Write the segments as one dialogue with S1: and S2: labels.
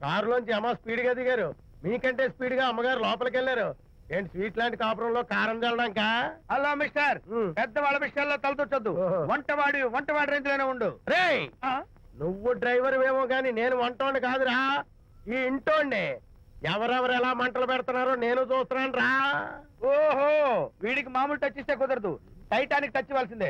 S1: కారులోంచి అమ్మ స్పీడ్ గా దిగారు, మీకంటే స్పీడ్ గా అమ్మగారు లోపలికి వెళ్ళారు. ఏంటి స్వీట్ లాంటి కాపురంలో కారం చల్లడానికా?
S2: హలో మిస్టర్, పెద్దవాళ్ళ విషయాల్లో తలదొచ్చొద్దు. వంటవాడి రేంజ్ లోనే ఉండు.
S1: రేయ్, నువ్వు డ్రైవర్ ఏమో గాని నేను వంటోండి కాదురా, ఈ ఇంటోండి. ఎవరెవరు ఎలా మంటలు పెడుతున్నారో నేను చూస్తున్నాను రా.
S2: ఓహో, వీడికి మామూలు టచ్ ఇస్తే కుదరదు, టైటానిక్ టచ్ ఇవ్వాల్సిందే.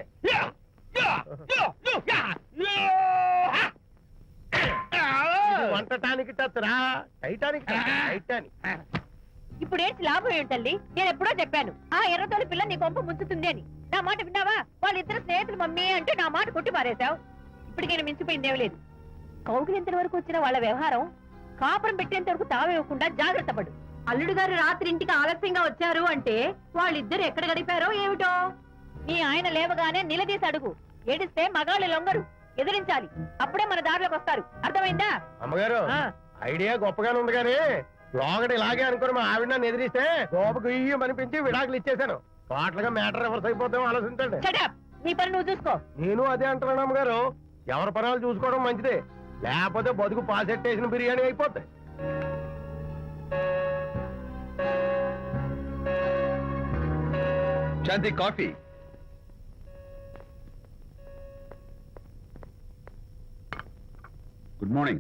S1: వంటటానికి టచ్ రా, టైటానిక్ టైటానిక్.
S3: ఇప్పుడు ఏంటి లాభం ఏంటల్లి? నేను ఎప్పుడో చెప్పాను ఆ ఎర్రతోలి పిల్ల నీ కొంప ముంచుతుంది అని. నా మాట విన్నావా? వాళ్ళిద్దరు స్నేహితులు మమ్మీ అంటే నా మాట కొట్టి పారేశావు. ఇప్పటికైనా మించిపోయిందేం లేదు. కౌగిలింతల వరకు వచ్చిన వాళ్ళ వ్యవహారం కాపురం పెట్టేంత వరకు తావేవ్వకుండా జాగ్రత్త పడు. అల్లుడు గారు రాత్రి ఇంటికి ఆలస్యంగా వచ్చారు అంటే వాళ్ళిద్దరు ఎక్కడ గడిపారో ఏమిటో. నీ ఆయన లేవగానే నిలదీసి అడుగు. ఏడిస్తే మగాళ్ళు లొంగరు, ఎదిరించాలి. అప్పుడే మన దారిలోకి వస్తారు. అర్థమైందా?
S1: అమ్మగారు ఐడియా గొప్పగానే ఉంది కానీ లోగడ ఇలాగే అనుకుని మా ఆవిడ నన్ను ఎదిరిస్తే గోపకు ఇయ్యం అనిపించి విడాకులు ఇచ్చేశాను. పాటలుగా మ్యాటర్ రివర్స్ అయిపోతాం, ఆలోచించండి.
S3: నీ పని నువ్వు చూసుకో.
S1: నేను అదే అంటున్నాను అమ్మగారు, ఎవరి పనాలు చూసుకోవడం మంచిదే, లేకపోతే బతుకు పాసెట్టేసిన బిర్యానీ అయిపోతాయి.
S4: Shanti coffee. Good morning.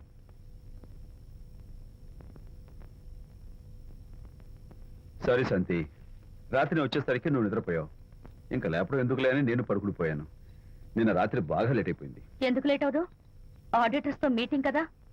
S4: Sorry Shanti, రాత్రి వచ్చేసరికి నువ్వు నిద్రపోయావు. ఇంకా లేపడం ఎందుకులే అని నేను పడుకుడిపోయాను. నిన్న రాత్రి బాగా లేట్ అయిపోయింది.
S3: ఎందుకు లేట్ అవదు? ఆడిటర్స్ తో మీటింగ్ కదా,